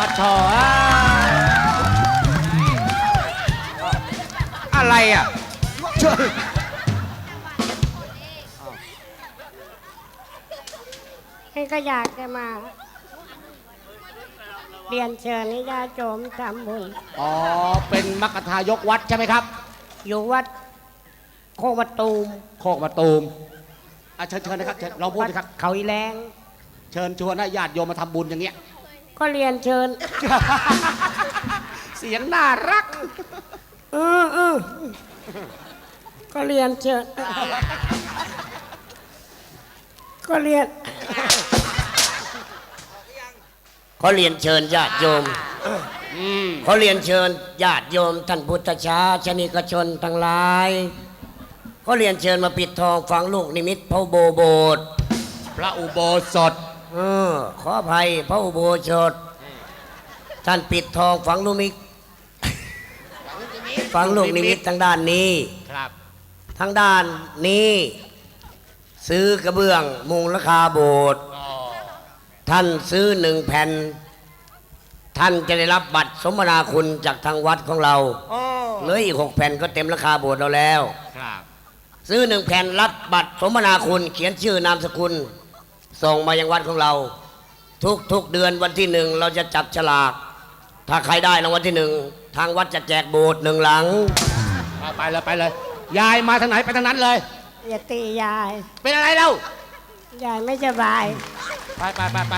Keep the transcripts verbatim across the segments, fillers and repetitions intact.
ปัดชออะไรอ่ะเชิญให้ก็อยากจะมาเรียนเชิญให้ญาติโยมทำบุญอ๋อเป็นมัคคทายกวัดใช่ไหมครับอยู่วัดโคกมะตูมโคกมะตูมอ่ะเชิญเชิญนะครับลองพูดสิครับเขาอีแรงเชิญชวนให้ญาติโยมมาทำบุญอย่างเงี้ยก็เรียนเชิญเสียงน่ารักเออเออก็เรียนเชิญก็เรียนเขาเรียนเชิญญาติโยมเขาเรียนเชิญญาติโยมท่านพุทธชาชนิกชนทั้งหลายเขาเรียนเชิญมาปิดทองฝังลูกนิมิตพระอุโบโบสถ์พระอุโบสถเออขออภัยพระอุโบสถท่านปิดทองฝังลูกนิมิตฝังลูกนิมิตทางด้านนี้ครับทางด้านนี้ซื้อกระเบื้องมุงราคาโบสถ์ท่านซื้อหนึ่งแผ่นท่านจะได้รับบัตรสมนาคุณจากทางวัดของเราเหลืออีกหกแผ่นก็เต็มราคาโบสถ์เราแล้วซื้อหนึ่งแผ่นรับบัตรสมนาคุณเขียนชื่อนามสกุลส่งมายังวัดของเราทุกทุกเดือนวันที่หนึ่งเราจะจับฉลากถ้าใครได้รางวัลที่หนึ่งทางวัดจะแจกโบสถ์หนึ่งหลังไปเลยไปเลยยายมาทางไหนไปทางนั้นเลยอย่าตียายเป็นอะไรเล่ายายไม่สบายไปไปไปไป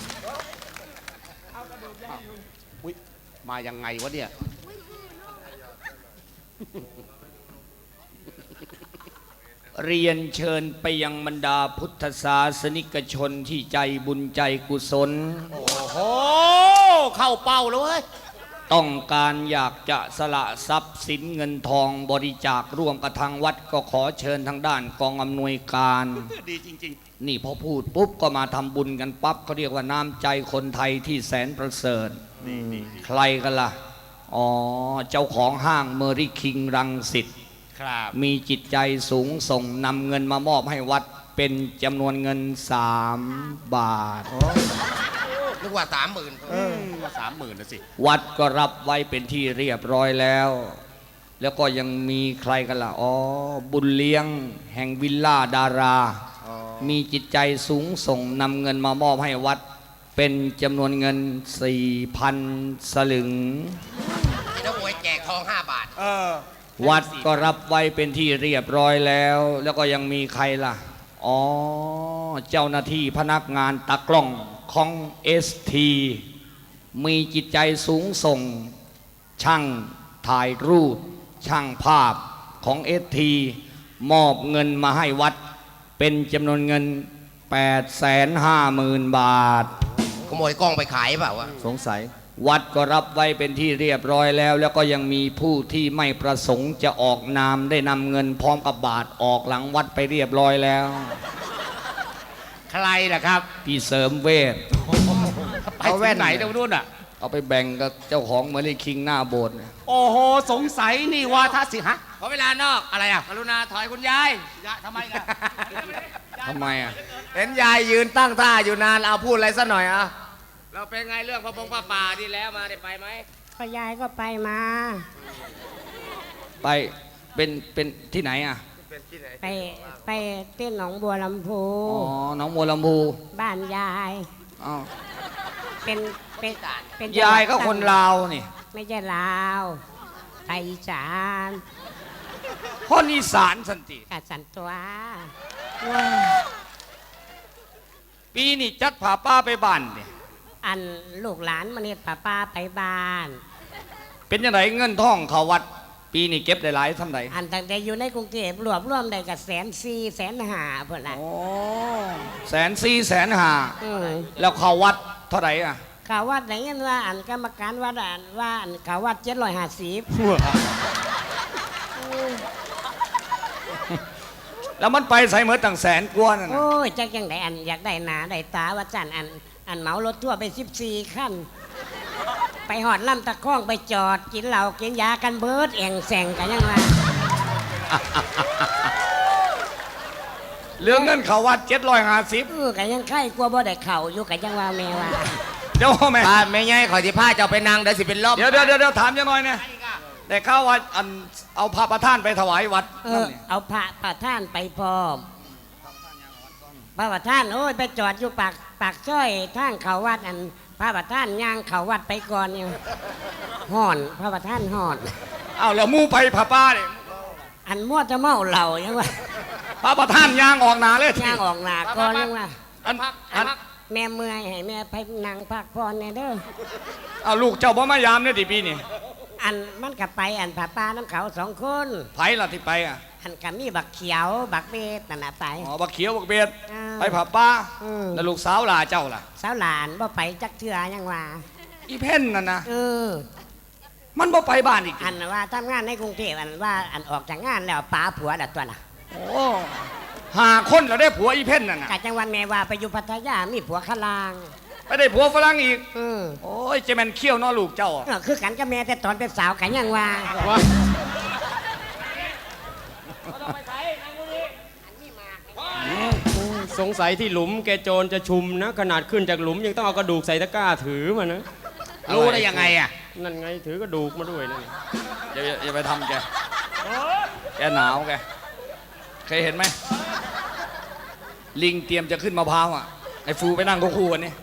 อุ๊ยมายังไงวะเนี่ยเรียนเชิญไปยังบรรดาพุทธศาสนิกชนที่ใจบุญใจกุศลโอ้โหเข้าเป้าเลยต้องการอยากจะสละทรัพย์สินเงินทองบริจาคร่วมกับทางวัดก็ขอเชิญทางด้านกองอำนวยการดีจริงๆนี่พอพูดปุ๊บก็มาทำบุญกันปั๊บเขาเรียกว่าน้ำใจคนไทยที่แสนประเสริฐใครกันล่ะอ๋อเจ้าของห้างเมอริคิงรังสิตมีจิตใจสูงส่งนำเงินมามอบให้วัดเป็นจำนวนเงินสามบาทนึกว่าสามหมื่นสามหมื่นนะสิวัดก็รับไว้เป็นที่เรียบร้อยแล้วแล้วก็ยังมีใครกันล่ะอ๋อบุญเลี้ยงแห่งวิลล่าดารามีจิตใจสูงส่งนำเงินมามอบให้วัดเป็นจำนวนเงินสี่พันสลึงแล้วหวยแจกทองห้าบาทวัดก็รับไว้เป็นที่เรียบร้อยแล้วแล้วก็ยังมีใครล่ะอ๋อเจ้าหน้าที่พนักงานตากล้องของ เอส ที มีจิตใจสูงส่งช่างถ่ายรูปช่างภาพของ เอส ที มอบเงินมาให้วัดเป็นจำนวนเงิน แปดแสนห้าหมื่น บาทขโมยกล้องไปขายเปล่าวะสงสัยวัดก็รับไว้เป็นที่เรียบร้อยแล้วแล้วก็ยังมีผู้ที่ไม่ประสงค์จะออกนามได้นำเงินพร้อมกับบาทออกหลังวัดไปเรียบร้อยแล้วใครล่ะครับพี่เสริมเวทเอาแว่นไหนเดี๋ยวนู่นอ่ะเอาไปแบ่งกับเจ้าของเมอริคิงหน้าโบสถ์โอ้โหสงสัยนี่ว่าท่าสิฮะขอเวลานอกอะไรอ่ะกรุณาถอยคุณยายทำไมล่ะทำไมอ่ะเห็นยายยืนตั้งท่าอยู่นานเอาพูดอะไรซะหน่อยอ่ะเราเป็นไงเรื่องพระพงพระป่าดีแล้วมาได้ไปไหมก็ยายก็ไปมาไปเป็นเป็นที่ไหนอ่ะไปไปเต้นหนองบัวลำพูอ๋อหนองบัวลำพูบ้านยายอ๋อเป็นเป็นเป็นยายก็คนลาวนี่ไม่ใช่ลาวไทยอีสานคนอีสานสันติกัดสันตัวปีนี้จัดผาป้าไปบ้านเนี่ยอันลูกหลานมาเนี่ยป้าป้าไปบ้านเป็นยังไงเงินทองเขาวัดปีนี้เก็บได้หลายทำไดอันตั้งแต่อยู่ในกรุงเทพรวบรวมได้กับแสนสี่แสนห้าเพื่อนละโอ้แสนสี่แสนห้าแล้วเขาวัดเท่าไหร่อ่ะเขาวัดไหนกันว่าอันกรรมการวัดอันว่าอันเขาวัดเจ็ดร้อยห้าสิบแล้วมันไปใส่เหมือนตั้งแสนกว่านั่นโอ้ยจักยังไงอันอยากได้หนาได้ตาว่าจันอันอันเหมารถทั่วไปสิบสี่ขั้นไปหอดลำตะข้องไปจอดกินเหล้ากินยากันเบิร์ดแองแสงกันยังไงเรื่องเงินเขาวัดเจ็ดร้อยห้าสิบกันยังไข่กลัวบ่ได้เข่าอยู่กันยังว่าแม่ว่าเดี๋ยวแม่ป้าไม่ไงขอที่ผ้าเจ้าไปนางเดี๋ยวสิเป็นลมเดี๋ยวเดี๋ยวเดี๋ยวเดี๋ยวถามยังหน่อยเนี่ยแต่ข้าวว่าอันเอาพระประธานไปถวายวัดเอนั่นอนี่เอาพระประท่านไปพร้อมพระประท่านโอ้ยไปจอดอยู่ปากปากซอยทางเขาวัดอันพระประท่านย่างเขาวัดไปก่อนเนี่ยห่อนพระประท่านห่อนเอาแล้วหมู่ไปพระป้าเนี่ยอันมั่วจะเมาเหล่ายังว่าพระประธานยางออกหนาเลยย่างออกหนาก่อนยังว่าอันอัอันนแม่เมื่อยให้แม่ไปนั่งพักผ่อนเนี่ยเด้อเอาลูกเจ้าบ่มายามเนี่ยดิปีนี่อันมันกับไปอันผาป้าน้ำเขาสองคนไผล่ะที่ไปอ่ะอันกับมีบักเขียวบักเบสนั่นน่ะไปอ๋อบักเขียวบักเบียดอ่าไปพระป้าอืมแล้วลูกสาวหลาเจ้าล่ะสาวหลานบ่ไปจักเทือยังว่าอีเพ่นน่ะนะเออมันบ่ไปบ้านอีกอันว่าทำงานในกรุงเทพอันว่าอันออกจากงานแล้วป้าผัวดัดตัวน่ะโอ้หาคนแล้วได้ผัวอีเพ่นน่ะนะกะจังหวันแม่ว่าไปอยู่พัทยามีผัวขลางไปได้ผัวฝรั่งอีกเออโอ้ยเจแมนเขี้ยวเนอลูกเจ้าอะเออคือกันกับแม่แต่ตอนเป็นสาวกันยังว่าสงสัยที่หลุมแกโจรจะชุมนะ ขนาดขึ้นจากหลุมยังต้องเอากระดูกใส่ตะกร้าถือมานะรู้ได้ยังไงอ่ะนั่นไงถือกระดูกมาด้วยนั่นอย่าอย่าอย่าไปทำแก แกหนาวแก เคยเห็นไหม ลิงเตรียมจะขึ้นมะพร้าวอ่ะ ไอ้ฟูไปนั่งคู่ๆกันนี่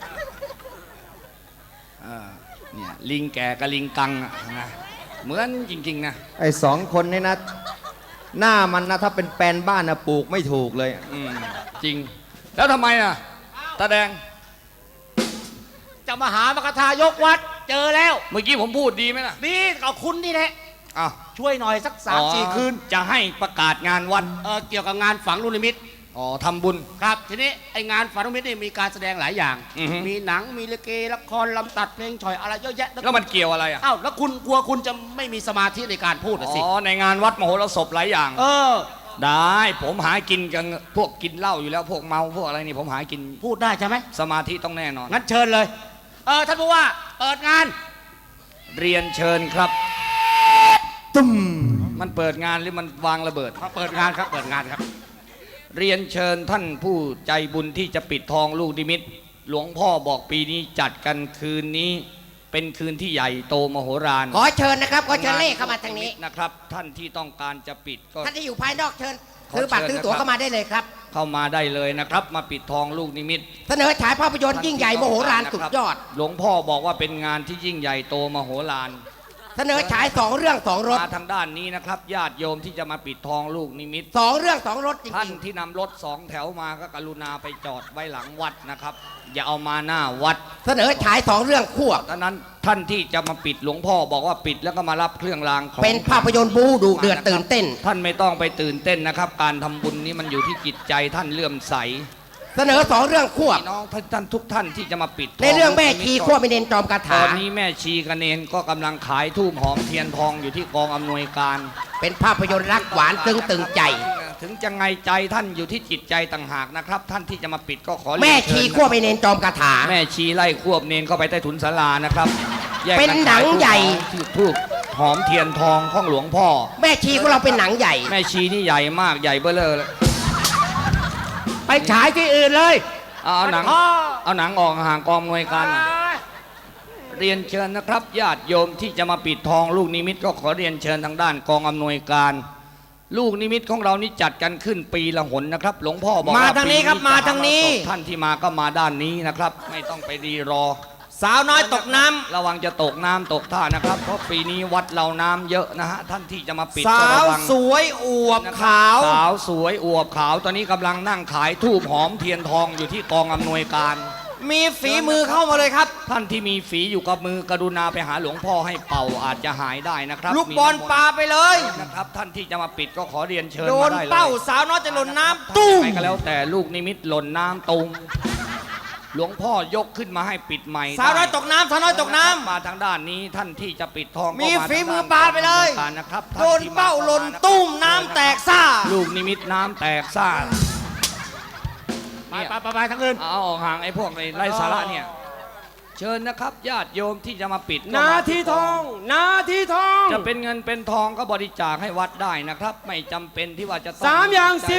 อ่าเนี่ยลิงแก่กับลิงกังอ่ะนะเหมือนจริงๆนะไอ้สองคนนี่นะ หน้ามันนะถ้าเป็นแปลนบ้านนะปลูกไม่ถูกเลยอืมจริง แล้วทำไมอ่ะตาแดงจะมาหามกทายกวัดเจอแล้วเมื่อกี้ผมพูดดีไหมล่ะนี่เอาคุณนี่แหละอ้าวช่วยหน่อยสักสามสี่คืนจะให้ประกาศงานวัดเออเกี่ยวกับงานฝังลูกนิมิตอ๋อทำบุญครับทีนี้ไองานฝังลูกนิมิตนี่มีการแสดงหลายอย่างอือฮึมีหนังมีลิเกละครลำตัดเพลงฉ่อยอะไรเยอะแยะแล้วมันเกี่ยวอะไรอ่ะอ้าวแล้วคุณกลัวคุณจะไม่มีสมาธิในการพูดอะสิอ๋อ ในงานวัดมโหรสพหลายอย่างเออได้ผมหากินกันพวกกินเหล้าอยู่แล้วพวกเมาพวกอะไรนี่ผมหากินพูดได้ใช่ไหมสมาธิต้องแน่นอนงั้นเชิญเลย เออท่านผู้ว่าเปิดงานเรียนเชิญครับตุ้มมันเปิดงานหรือมันวางระเบิดเขาเปิดงานครับเปิดงานครับเรียนเชิญท่านผู้ใจบุญที่จะปิดทองลูกนิมิต หลวงพ่อบอกปีนี้จัดกันคืนนี้ เป็นคืนที่ใหญ่โตมโหฬารขอเชิญนะครับ ขอเชิญเล่เข้ามาทางนี้นะครับ ท่านที่ต้องการจะปิดก็ท่านที่อยู่ภายนอกเชิญขอซื้อบัตรเชิญซื้อตั๋วนะครับเข้ามาได้เลยครับเข้ามาได้เลยนะครับ มาปิดทองลูกนิมิตเสนอฉายภาพยนตร์ยิ่งใหญ่โมโหฬารสุดยอดหลวงพ่อบอกว่าเป็นงานที่ยิ่งใหญ่โตมโหฬารเสนอฉายสองเรื่องสองรถมาทางด้านนี้นะครับญาติโยมที่จะมาปิดทองลูกนิมิตสองเรื่องสองรถจท่านริงที่นำรถสองแถวมาก็กรุณาไปจอดไว้หลังวัดนะครับ อย่าเอามาหน้าวัดๆ เสนอฉายสองเรื่องควบดังนั้นท่านที่จะมาปิดหลวงพ่อบอกว่าปิดแล้วก็มารับเครื่องรางของเป็นภาพยนตร์บูดุเดือดตื่นเต้นท่านไม่ต้องไปตื่นเต้นนะครับ การทำบุญนี้มันอยู่ที่จิตใจท่านเลื่อมใสเสนอสองเรื่องควบพี่น้องท่านท่านทุกท่านที่จะมาปิดทในเรื่องแม่ชีควบไม่เน้นจอมคาตถาอนนี้แม่ชีกระเนนก็กำลังขายทูบหอมเทียนทองอยู่ที่กองอำนวยการเป็นภาพยนตร์รักหวานตึงตึงใจถึงจะไงใจท่านอยู่ที่จิตใจต่างหากนะครับ ท่านที่จะมาปิดก็ขอรียนแม่เชิชีญควบไม่เน้นจอมคาถาแม่ชีไล่ควบเนนเข้าไปใต้ถุนศาลานะครับแยกกัเป็นหนังใหญ่ที่ทูบหอมเทียนทองของหลวงพ่อแม่ชีของเราเป็นหนังใหญ่แม่ชีนี่ใหญ่มากใหญ่เบ้อเลอเลยไปฉายที่อื่นเลยเอาเอาหนังพ่อเอาหนังออกห่างกองหน่วยการหน่อยเรียนเชิญนะครับญาติโยมที่จะมาปิดทองลูกนิมิตก็ขอเรียนเชิญทางด้านกองอำนวยการ ลูกนิมิตของเรานี่จัดกันขึ้นปีละหนนะครับ หลวงพ่อบอกว่ามาทางนี้ครับปีมาทางนี้จะหศพท่านที่มาก็มาด้านนี้นะครับ ไม่ต้องไปรีรอสาวน้อยตกน้ำระวังจะตกน้ำตกท่านะครับ เพราะปีนี้วัดเราน้ำเยอะนะฮะท่านที่จะมาปิดสาก็ระววังสวยอวบขาวสาวสวยอวบขาวตอนนี้กำลังนั่งขายทูบหอมเทียนทองอยู่ที่กองอำนวยการมีฝีมือเข้ามาเลยครับท่านที่มีฝีอยู่กับมือกรุณาไปหาหลวงพ่อให้เป่าอาจจะหายได้นะครับลูกบอลปลาไปเลยนะครับ ท่านที่จะมาปิดก็ขอเรียนเชิญโดมาน ได้เลยเป้าสาวน้อยจะหล่นน้ำตุ้ตุ้มมก็แล้วแต่ลูกนิมิตหล่นน้ำตุงหลวงพ่อยกขึ้นมาให้ปิดใหม่สาวน้อยได้ตกน้ำสาวน้อยตกน้ำมาทางด้านนี้ท่านที่จะปิดทองก็มีาทางฝีมือด้นปลาไปเลยการนะครับโดนเป้าหล่นตุ้มน้ำแตกซ่าลูกนิมิตน้ำแตกซ่าไปไปไปไปทั้งอื่นเอาออกห่างไอ้พวกในไร้สาระเนี่ย เชิญนะครับญาติโยมที่จะมาปิดก็นามาทีทอง นาทีทองจะเป็นเงินเป็นทองก็บริจาคให้วัดได้นะครับ ไม่จำเป็นที่ว่าจะต้องสามอย่างสิบท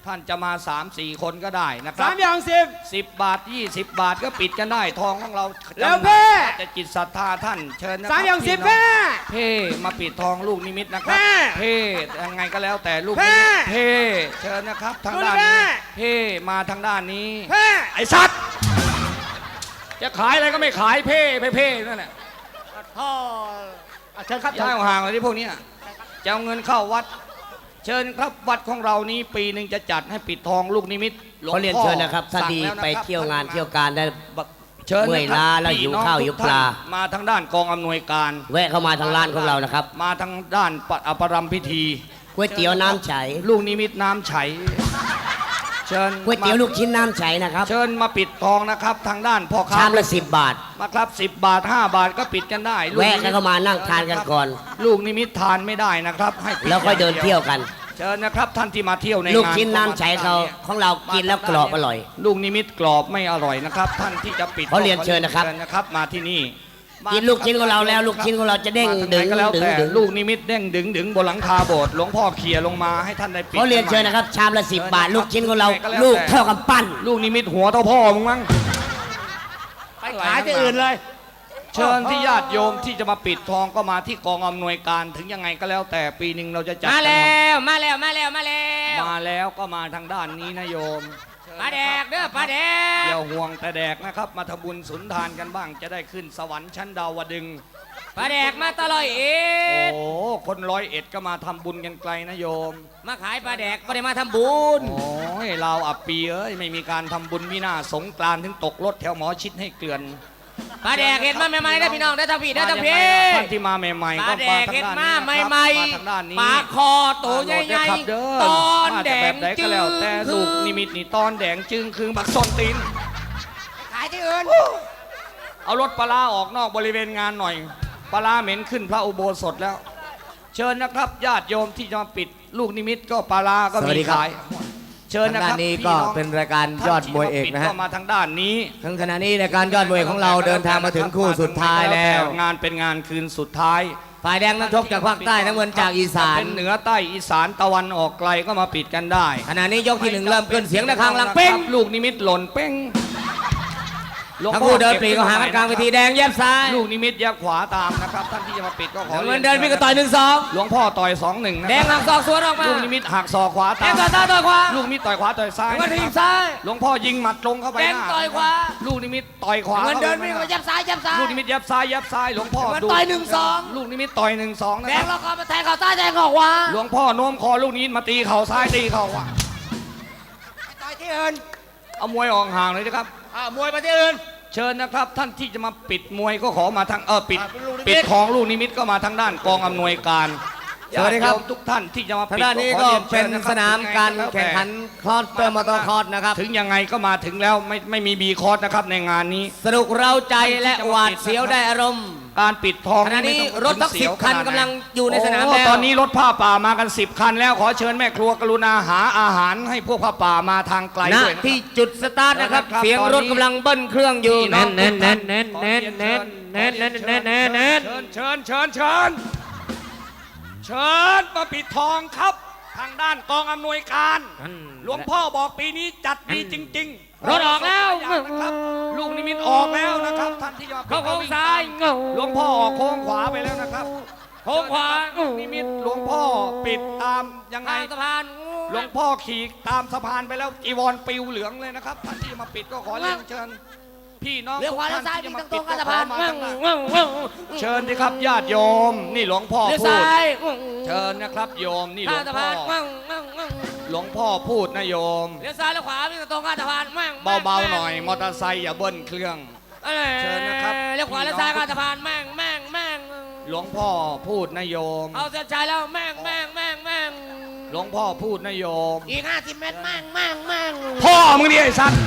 ท่านจะมาสามสี่คนก็ได้นะครัสาบมอย่างสิบสิบบาทยี่สิบบาทก็ปิดกันได้ทองของเราแล้วจำหนักเพ่แต่จิตศรัทธาท่านเชิญนะคสารัมอย่างสิบพี่น้แม่เพ่มาปิดทองลูกนิมิตนะครับแม่เพ่ยังไงก็แล้วแต่ลูกแม่นิมิตเพ่เชิญนะครับทางด้านดูดินี้แม่เพ่มาทางด้านนี้แม่ไอ้สัตว์จะขายอะไรก็ไม่ขายเพ่เพ่เพ่นั่นแหละพ่ออ่ะเชิญครับย้ายห่างๆเลยที่พวกเนี้ยจะเอาเงินเข้าวัด เชิญครับวัดของเรานี้ปีหนึ่งจะจัดให้ปิดทองลูกนิมิตหลวงเขาเรียนพ่อเชิญนะครับท่านสั่งที่แล้วะไปครับเที่ยวงานท่เที่ยวการได้เชิญเมื่อยนะครับล้าแล้วพี่หิวน้องข้าวทุกหิวปลาท่นมาทางด้านกองอำนวยการแวะเข้ามาทางร้านของเรานะครับมาทางด้านปอปรำพิธีก๋วยเตี๋ยวน้ำใสลูกนิมิตน้ำไฉเชิญก๋วยเตี๋ยวมาลูกชิ้นน้ำใสนะครับเชิญมาปิดทองนะครับ ทางด้านพ่อค้าชามละสิบบาทมาครับสิบบาทห้าบาทก็ปิดกันได้ลูกแวะนิมิตกันเข้ามานั่งทานกันก่อนลูกนิมิตทานไม่ได้นะครับให้ปิแล้วค่อยเดินเที่ยวกันเชิญนะครับท่านที่มาเที่ยวในลูกงานชิ้นน้ำใสเขาของเรากินแล้วกรอบอร่อยลูกนิมิตกรอบไม่อร่อยนะครับ ท่านที่จะปิดเขาเรียนเชิญนะครับเชิญนะครับ มาที่นี่กินลูกชิ้นของเราแล้วลูกชิ้นของเราจะเด้งมาทาดึไหงนก็แล้วดึงแต่ดึงลูกนิมิตเด้งดึงดึงบนหลังคาโบสถ์หลวงพ่อเขี่ยลงมาให้ท่านได้ปิดเขาเรียนเชิญนะครับ ชามละสิบบาท ลูกชิ้นของเราไหนก็แล้วลูกแต่เท่ากับปั้นลูกนิมิตหัวเท่าพ่อมึงมั้งไปขายที่อื่นเลยเชิญที่ญาติโยมที่จะมาปิดทองก็มาที่กองอำนวยการถึงยังไงก็แล้วแต่ปีหนึ่งเราจะจัดมาแล้วมาแล้วมาแล้วมาแล้วมาแล้วก็มาทางด้านนี้นะโยมปลาแดกเด้อปลาแดกอย่าห่วงแต่แดกนะครับ มาทำบุญสุนทานกันบ้าง จะได้ขึ้นสวรรค์ชั้นดาวดึงส์ปลาแดกมาตลอดเอ็โอ้ดคนร้อยเอ็ดก็มาทำบุญกันไกลนะโยมมาขายปลาแดกไม่ได้มาทำบุญโอ้ยเราวอับปีเอ้ยไม่มีการทำบุญมิน่าสงกรานต์ถึงตกรถแถวหมอชิดให้เกลื่อนปลาแดกเห็นมาใหม่ๆได้อพี่น้องได้อทางพี่ได้อทางพี่ท่านที่มาใหม่ปๆลาก็แดมาก ทางเห็นด้านมานี้ใหม่นะครับมาทางด้านนี้ปลาคอตัวใหญ่มาโดดเด้อครับเด้อๆตอนมาแดแต่งแบบใดจึก็งแล้วแต่คืลูอกนิมิตนี่ตอนแดงจึงคือบักส้นตีนขายที่อื่นเอารถปลาร้าออกนอกบริเวณงานหน่อยปลาร้าเหม็นขึ้นพระอุโบสถแล้ว เชิญนะครับญาติโยมที่จะมาปิดลูกนิมิตก็ปลาร้าก็สวัมีสดีครับขาย เชิญนะคด้ารับนนี้พี่ก็องเป็นรายการยอดมวยเอกนะฮะท่าที่มาปิดก็มาทางด้านนี้ทั้งขณะนี้รายการยอดมวยของเราเดินทางมาถึงคู่สุดท้ายแล้วงานเป็นงานคืนสุดท้ายฝ่ายแดงนักชกจากภาคใต้น้ำเงินจากอีสานเป็นเหนือใต้อีสานตะวันออกไกลก็มาปิดกันได้ขณะนี้ยกที่หนึ่งเริ่มขึ้นเสียงระฆังลังเป้งลูกนิมิตหล่นเป้งหลวงทั้งพ่อคู่เดินปรีก็หากันกลางเวทีแดงแยบซ้ายลูกนิมิตแยกขวาตามนะครับท่านที่จะมาปิดก็ขอน้ำเงินเดินพี่ก็ต่อยหนึ่งสองหลวงพ่อต่อยสองหนึ่งนะแดงหักศอกสวนออกมาลูกนิมิตหักศอกขวาแดตาง มต่อยซ้ายต่อยขวาลูกนิมิตต่อยขวาต่อยซ้ายน้ำเงินทีบซ้ายหลวงพ่อยิงหมัดตรงเข้าไปแดงหน้าต่อยขวาลูกนิมิตต่อยขวาน้ำเงินเดินข้าพี่ไปก็ยับซ้ายยับซ้ายลูกนิมิตยับซ้ายยับซ้ายหลวงพ่อมันดูต่อยหนึ่งสองลูกนิมิตต่อยหนึ่งสองนะแดคงรับเราก็มาแทงเข่าซ้ายแทงเข่าขวาหลวงพ่อโน้มคอลูกนี้มาตีเข่าซ้ายตีเข่าขวาต่อยที่อื่นเอามวยออกห่างเลยนะครับอ่ามวยไปที่อื่นเชิญนะครับท่านที่จะมาปิดมวยก็ขอมาทางเออปิดอ่าเป็นลูกนิมิตปิดของลูกนิมิตก็มาทางด้านกองอำนวยการสวัสดีครับญาติโยมทุกท่านที่จะมาทางปิดด้านนี้ขอก็รียเป็นชิญะคสบนามการถึงไงแข่งขันแล้วคลอสเตอร์มอเตอร์คอร์สนะครับแต่ถึงยังไงก็มาถึงแล้วไม่ไม่มีบีคอร์สนะครับในงานนี้สนุกเราใจและหวาดเสียวได้อารมณ์การปิดทองขณะนี้ไม่ต้องรถทั้งถึสิบเยวคันขาดไหกำลังอยู่ในสนามโอ้แล้วตอนนี้รถผ้าป่ามากันสิบคันแล้วขอเชิญแม่ครัวกรุณาหาอาหารให้พวกผ้าป่ามาทางไกลณด้วยนะที่จุดสตาร์ทนะครับครับเสียงรถตอนนี้กำลังเบิ้ลเครื่องอยู่พี่น้แน่องนแน่นทุกแน่นท่าแน่นแน่นแน่นแน่นแน่นแน่นแน่นแน่นเชิญเชิญเชิญเชิญเชิญมาปิดทองครับ ทางด้านกองอำนวยการ หลวงพ่อบอกปีนี้จัดดีจริงๆรถออกแล้วนะครับลูกนิมิตออกแล้วนะครับท่านที่จะมาปิดเข้าโค้งซ้ายหลวงพ่อออกโค้งขวาไปแล้วนะครับโค้งขวาลูกนิมิตหลวงพ่อปิดตามยังไงทางสะพานหลวงพ่อขี่ตามสะพานไปแล้วจีวรปิวเหลืองเลยนะครับท่านที่มาปิดก็ขอเรียนเชิญพี่น้องเลี้ยวขวาทุเลี้ยวกซ้ายท่มีที่ตรงตรงก็ๆสะพานขอมาทางหน้าเลี้ยวเชิญสิครับญาติโยม นี่หลวงพ่อพูดซ้ายเชิญนะครับโยมนี่หลข้าว งงสะพ่พาอน หลวงพ่อพูดนะโยมเลี้ยวซ้ายเลี้ยวขวามีตรงข้างสะพานเบาๆหน่อยมอเตอร์ไซค์อย่าเบิ้ลเครื่อง เชิญนะครับเลี้ยวขวาเลี้ยวซ้ายข้างสะพานแม่งแม่งแม่งหลวงพ่อพูดนะโยมเอาเส้นชัยแล้วแม่งแม่งแม่งแม่งหลวงพ่อพูดนะโยมอีกห้าสิบเมตรแม่งแม่งแม่งพ่อมึงดิไอ้สัตว์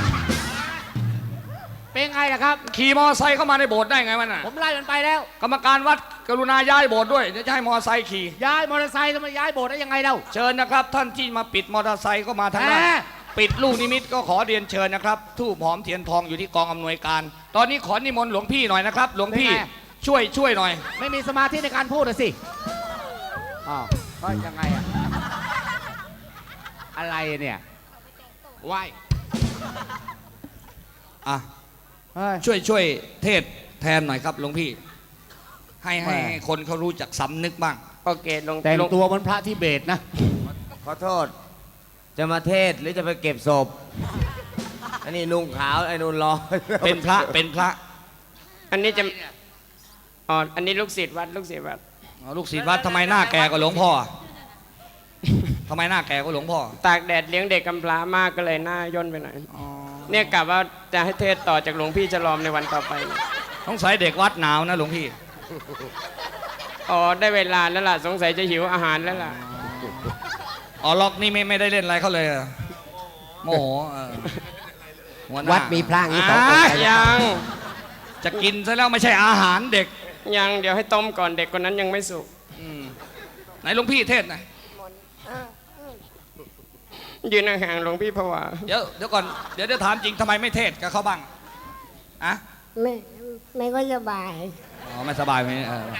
เป็นไงล่ะครับขี่มอเตอร์ไซค์เข้ามาในโบสถ์ได้ไงมันน่ะผมไล่มันไปแล้วกรรมการวัดกรุณาย้ายโบสถ์ด้วยเดี๋ยวจะให้มอเตอร์ไซค์ขี่ย้ายมอเตอร์ไซค์จะมาย้ายโบสถ์ได้ยังไงเล่าเชิญนะครับท่านที่มาปิดมอเตอร์ไซค์ก็มาทางด้านแหมปิดลูกนิมิตก็ขอเรียนเชิญนะครับทูบหอมเทียนทองอยู่ที่กองอำนวยการ ตอนนี้ขอนิมนต์หลวงพี่หน่อยนะครับ หลวงพี่ช่วยช่วยหน่อยไม่มีสมาธิในการพูดเลยสิอ้าวก็ยังไงอะอะไรเนี่ยไหว้อ่ะเฮ้ยช่วยช่วยเทศแทนหน่อยครับหลวงพี่ ให้ให้แหม่ให้คนเขารู้จักสำนึกบ้างโอเคหลวงแต่งหลวงตัวเหมันพระทิเบตนะขอโทษ จะมาเทศหรือจะไปเก็บศพ อันนี้นุ่งขาวไอ้นุ่นรอเป็นพระเป็นพระอันนี้จะอ๋ออันนี้ลูกศิษย์วัดลูกศิษย์วัดอ๋อลูกศิษย์วัดทำไมหน้าแก่กว่าหลวงพ่อทำไมหน้าแก่กว่าหลวงพ่อตากแดดเลี้ยงเด็กกำพร้ามากก็เลยหน้าย่นไปหน่อยอ๋อเนี่ยกะว่าจะให้เทศต่อจากหลวงพี่ฉลอมในวันต่อไปต้องใส่เด็กวัดหนาวนะหลวงพี่อ๋อได้เวลาแล้วล่ะสงสัยจะหิวอาหารแล้วล่ะอ๋อล็อกนี่ไม่ไม่ได้เล่นอะไรเขาเลยเหรอโมโหเออหัหน้าวัดมีพระอย่างนี้ต่อไปอ่ะยังจะกินซะแล้วไม่ใช่อาหารเด็กยังเดี๋ยวให้ต้มก่อนเด็กคนนั้นยังไม่สุกอืมไหนหลวงพี่เทศหน่อยยืนห่างๆหลวงพี่ผวาเดี๋ยวเดี๋ยวก่อนเดี๋ยวจะถามจริงทำไมไม่เทศกับเขาบ้างอะไม่ไม่ก็สบายอ๋อไม่สบายไหมเออ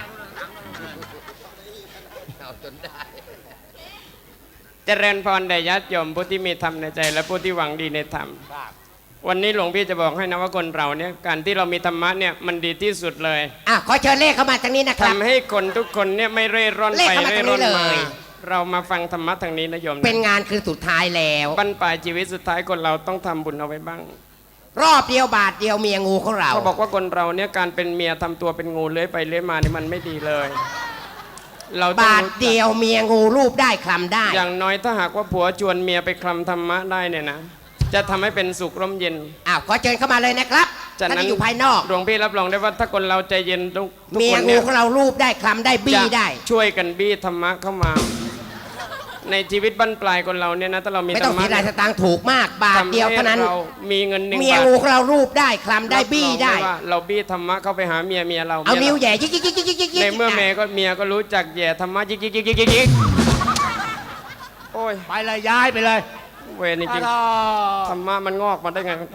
เจริญพรแด่ญาติโยมผู้ที่มีธรรมในใจและผู้ที่หวังดีในธรรม วันนี้หลวงพี่จะบอกให้นะว่าคนเราเนี่ยการที่เรามีธรรมะเนี่ยมันดีที่สุดเลยอ่ะขอเชิญเลขเข้ามาทางนี้นะครับทำให้คนทุกคนเนี่ยไม่เร่ร่อนเลขไปเข้ามาเร่ทางนี้ร่อนมาเลยเรามาฟังธรรมะทางนี้นะโยมนะเป็นงานคือสุดท้ายแล้วบรรปลายชีวิตสุดท้ายคนเราต้องทำบุญเอาไว้บ้างรอบเดียวบาทเดียวเมียงูของเราเขาบอกว่าคนเราเนี่ยการเป็นเมียทำตัวเป็นงูเลื้อยไปเลื้อยมานี่มันไม่ดีเลย เราต้องบาทรู้จักเดียวเมียงูรูปได้คลำได้อย่างน้อยถ้าหากว่าผัวชวนเมียไปคลำธรรมะได้เนี่ยนะจะทำให้เป็นสุขร่มเย็นอ้าวขอเชิญเข้ามาเลยนะครับจากท่านนั้นที่อยู่ภายนอกหลวงพี่รับรองได้ว่าถ้าคนเราใจเย็นทุกทุกเมียคนงูเนี่ยของเรารูปได้คลำได้บี้จะได้ช่วยกันบี้ธรรมะเข้ามา ในชีวิตบั้นปลายคนเราเนี่ยนะถ้าเรามีไม่ธต้รองรมะเสียรายสตางค์ถูกมากบาททำเดียวให้เท่านั้นเรามีเงินหนึ่งเมียบาทงูของเรารูปได้คลำได้บี้ได้รับรองว่าเราบี้ธรรมะเข้าไปหาเมียเมียเราเอามียนิ้วเราแหย่ยิกยิกยิกยิกยิกยิกยิกในเมื่อเมียก็เมียก็รู้จักแย่ธรรมะยิกยิกยิกยิกยิกยิกโอ้ยไปเลยย้ายไปเลยเวรจริงๆธรรมะมันงอกมาได้ไง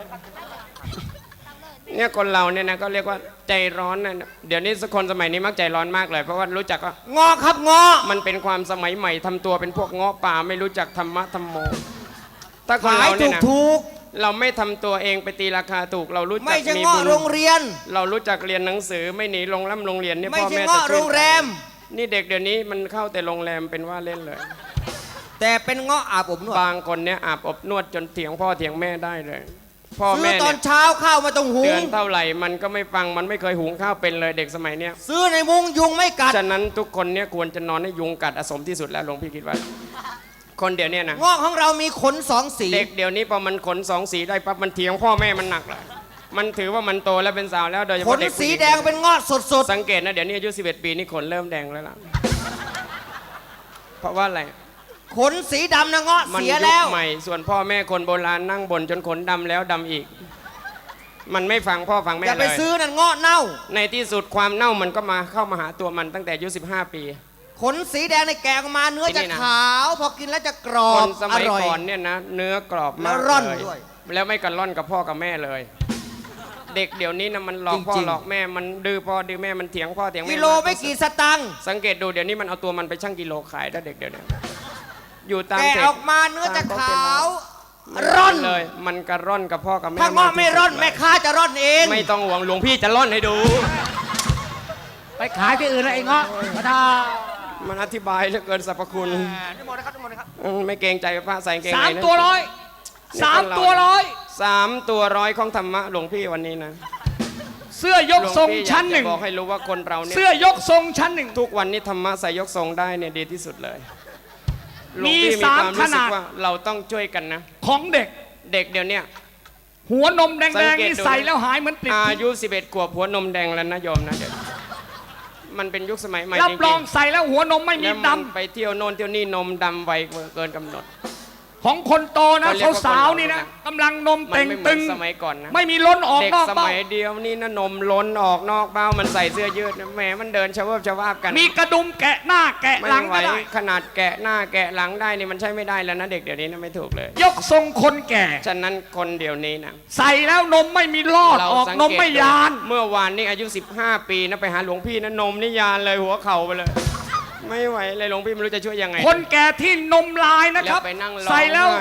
เนี่ยคนเราเนี่ยนะก็เรียกว่าใจร้อนนะเดี๋ยวนี้สักคนสมัยนี้มักใจร้อนมากเลยเพราะว่ารู้จักว่างอครับงอมันเป็นความสมัยใหม่ทำตัวเป็นพวกเงาะป่าไม่รู้จักธรรมะธรรมโม ถ้าคนขายเราถูเนี่ยกนะถูกเราไม่ทำตัวเองไปตีราคาถูกเรารู้ไม่จักใช่มีงอบุญโรงเรียนเรารู้จักเรียนหนังสือไม่หนีโรงร่ำโรงเรียนเนี่ยไม่พ่อใช่แม่งอจะโรช่วยงแรมนี่เด็กเดี๋ยวนี้มันเข้าแต่โรงแรมเป็นว่าเล่นเลยแต่เป็นงออาบอบนวดบางคนเนี่ยอาบอบนวดจนเถียงพ่อเถียงแม่ได้เลย พ่อซื้อแม่ตอเนี่นยเช้าข้าวไมาต้องหุเตืงอนเท่าไหร่มันก็ไม่ฟังมันไม่เคยหุงข้าวเป็นเลยเด็กสมัยเนี้ยซื้อในมุ้งยุงไม่กัดฉะนั้นทุกคนเนี่ยควรจะนอนให้ยุงกัดอสมที่สุดแล้วหลวงพี่คิดว่า คนเดี๋ยวเนี้นะงอกของเรามีขนสองสีเด็กเดี๋ยวนี้พอมันขนสองสีได้ปั๊บมันเถียงพ่อแม่มันหนักเลยมันถือว่ามันโตแล้วเป็นสาวแล้วโดยเฉขพาะนเด็กผู้สีหญิแดงเป็นงอสดสดสังเกตนะเดี๋ยวนี้อายุสิบเอ็ดปีนี่ขนเริ่มแดงแล้วล่ะเพราะว่าอะไรๆขนสีดำนะงอมันเสียยุแล้คว ใหม่ส่วนพ่อแม่คนโบราณนั่งบ่นจนขนดำแล้วดำอีก มันไม่ฟังพ่อฟังแม่อย่าเลไปยซื้อนั่นงอเน่าในที่สุดความเน่ามันก็มาเข้ามาหาตัวมันตั้งแต่อายุสิบห้าปีขนสีแดงในแกะออกมาเนื้อที่จะนี่นะขาว พอกินแล้วจะกรอคบนสอมัยร่อยก่อนเนี่ยนะเนื้อกรอบมากแล้วร่อนเลยด้วยแล้วไม่กันร่อนกับพ่อกับแม่เลย เด็กเดี๋ยวนี้นะมันหลอกพ่อจริงๆหลอกแม่มันดื้อพ่อดื้อแม่มันเถียงพ่อเถียงแม่กิโลไม่กี่สตังค์สังเกตดูเดี๋ยวนี้มันเอาตัวมันไปชั่งกิโลขายได้เด็กเดี๋ยวนี้อยู่ตามแกะเทออกมาเนื้อจะขาวร่ร่ออน นเลย มันกระร่อนกับพ่อกับแม่ถ้างอไม่ร่อนแม่ค้าจะร่อนเองไม่ต้องห่วงหลวงพี่จะร่อนให้ดูไปขายที่อื่นแล้วไอ้เงาะมาทามันอธิบายเหลือเกินสรรพคุณนิมนต์นะครับนิมนต์นะครับอืมไม่เกรงใจพระใส่กางเกงสามในนะตัวร้อยสามตัวร้อยสามตัวร้อยของธรรมะหลวงพี่วันนี้นะเสื้อยกทรงชั้นหนึ่งลวพี่อยากจะบอกให้รู้ว่าคนเราเนี่ยเสื้อยกทรงชั้นหนึ่งทุกวันนี้ธรรมะใส่ยกทรงได้เนี่ยดีที่สุดเลยหลวงมีพี่มีสามความรู้สึขนาดกว่าเราต้องช่วยกันนะของเด็กเด็กเดี๋ยวเนี้ยหัวนมแดสังงเกตๆนี่ดูใส่แล้วหายเหมือนปลิดอายุสิบเอ็ดขวบหัวนมแดงแล้วนะโยมนะเดี๋ยวมันเป็นยุคสมัยใหม่รัจบรริอง งใส่แล้วหัวนมไม่ๆมีแล้วดมันไปเที่ยวโน่นเที่ยวนี่นมดำไวเกินกำหนดำของคนโตนะเขาเรียกว่าสาวคนเราๆนี่นะนะกำลังนมมันเต่งไม่เหมืตึอนงสมัยก่อนนะไม่มีล้นออกเด็กนอกสเบ้ามัยเดียวนี่นะนมล้นออกนอกเบ้ามันใส่เสื้อยืดนะแหมมันเดินชะเวบชะวาบกันมีกระดุมแกะหน้าแกะไม่หลังไหวก็ได้ขนาดแกะหน้าแกะหลังได้นี่มันใช่ไม่ได้แล้วนะเด็กเดี๋ยวนี้นะไม่ถูกเลยยกทรงคนแก่ฉะนั้นคนเดี๋ยวนี้นะใส่แล้วนมไม่มีลอดออกสังนมเกตไม่ยานดูเมื่อวานนี้อายุสิบห้าปีนะไปหาหลวงพี่นะนมนี่ยานเลยหัวเข่าไปเลย ไม่ไหวเลยหลวงพี่ไม่รู้จะช่วยยังไงคนแก่ที่นมลายนะครับแล้วไปนั่งร้องใส่แล้วไห้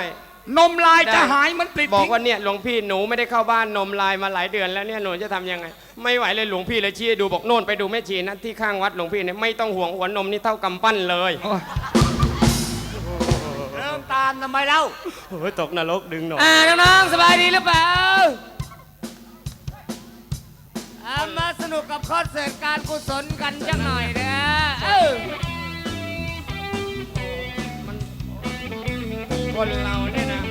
นมลายจะหายมันปลิดบอกทิ้งว่าเนี่ยหลวงพี่หนูไม่ได้เข้าบ้านนมลายมาหลายเดือนแล้วเนี่ยหนูจะทำยังไง ไม่ไหวเลยหลวงพี่เลยชี้ให้ดูบอกโน่นไปดูแม่ชีนะที่ข้างวัดหลวงพี่เนี่ยไม่ต้องห่วงหัวนมนี่เท่ากำปั้นเลยเริ่มตามทำไมเล่าโอ้ยตกนรกดึงหน่อยอ่าน้องๆสบายดีหรือเปล่าอ่ามาสนุกกับคอนเสิร์ตการกุศลกันจังหน่อยนะเออคนเราเนี่ยนะ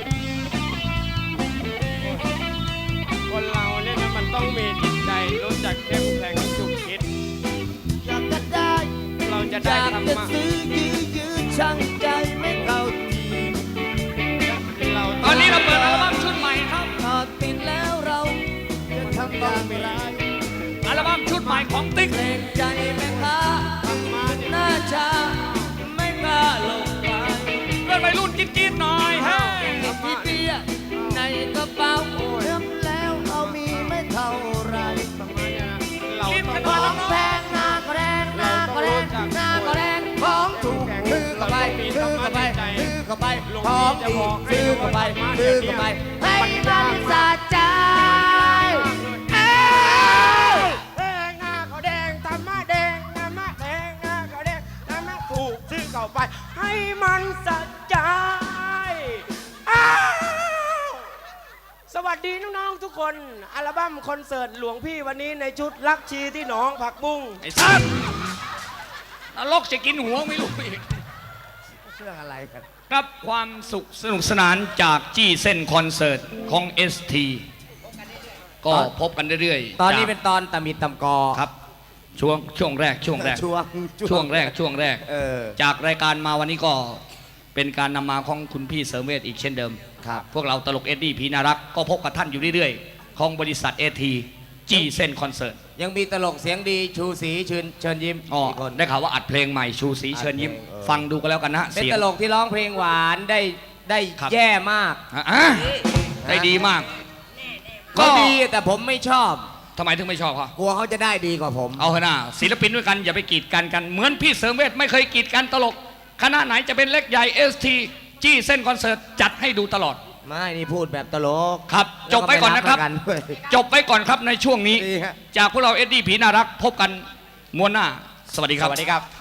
คนเราเนี่ยนะมันต้องมีจิตใจรู้จักเข้มแข็งจุกคิดอยากจะได้เราจะอได้ยากธรรจะมะซื้อยื้อยื้อช่างใจไม่เข้าทีเราตอนนี้เราเปิดอัลบั้มชุดใหม่ครับพอติดแล้วเราจะทำอย่างไรอัลบั้มชุดใหม่ของติ๊กเกรงใจแม่ค้าหน้าชาไม่กล้าลงไปเพื่อนวัยรุ่นกินกินหน่อยเฮ้ยที่เปียในกระเป๋าเริ่มแล้วเอามีไม่เท่าไรเรากินต้กัอน งหน่อยของแพงหน้าก็แรงหน้าก็แรงหน้าก็แรงของถูกซื้อเข้าไปซื้อเข้าไปซื้อเข้าไปของดีซื้อเข้าไปซื้อเข้าไปให้มันสะใจเอ้ยแดงหน้าเขาแดงธรรมะแดงธรรมะแดงหน้าเขาแดงธรรมะถูกชื่อเข้าไป ให้มันสะใจอ้าวสวัสดีน้องๆทุกคนอัลบั้มคอนเสิร์ตหลวงพี่วันนี้ในชุดรักชีที่หนองผักบุ้งไอ้สัสนรกจะกินหัวไม่รู้อีกเรื่องอะไรกันครับความสุขสนุกสนานจากจี้เส้นคอนเสิร์ตของ เอส ที ก็พบกันเรื่อยๆตอนนี้จากเป็นตอนตะมิดตำกอครับช่วงช่วงแรกช่วงแรกช่วงช่วงแรกช่วงแรกเออจากรายการมาวันนี้ก็เป็นการนำมาของคุณพี่เสริมเวชอีกเช่นเดิมครับพวกเราตลกเอ็ดดี้พีนารักษ์ก็พบกับท่านอยู่เรื่อยๆ ของบริษัทเอทีจี้เส้นคอนเสิร์ตยังมีตลกเสียงดีชูศรีเชิญเชิญยิ้มอ๋ออีกคนได้ข่าวว่าอัดเพลงใหม่ชูสีเชิญยิ้มอัดเพลงเออฟังดูกันแล้วกันนะเป็นเสียงตลกที่ร้องเพลงหวานได้ได้ครับแย่มากอ่ะอ่ะได้ดีมากก็ดีแต่ผมไม่ชอบทำไมถึงไม่ชอบเขากลัวเขาจะได้ดีกว่าผมเอาเถอะนะศิลปินด้วยกันอย่าไปกีดกันกัน เหมือนพี่เสริมเวชไม่เคยกีดกันตลกคณะไหนจะเป็นเล็กใหญ่เอสทีจี้เส้นคอนเสิร์ตจัดให้ดูตลอดไม่นี่พูดแบบตลกครับ จบไปก่อนนะครับแล้วก็ไม่รักกันด้วยจบไปก่อนครับในช่วงนี้ดีฮะจากพวกเราเอ็ดดี้ผีน่ารักพบกันมวนหน้า สวัสดีครับสวัสดีครับ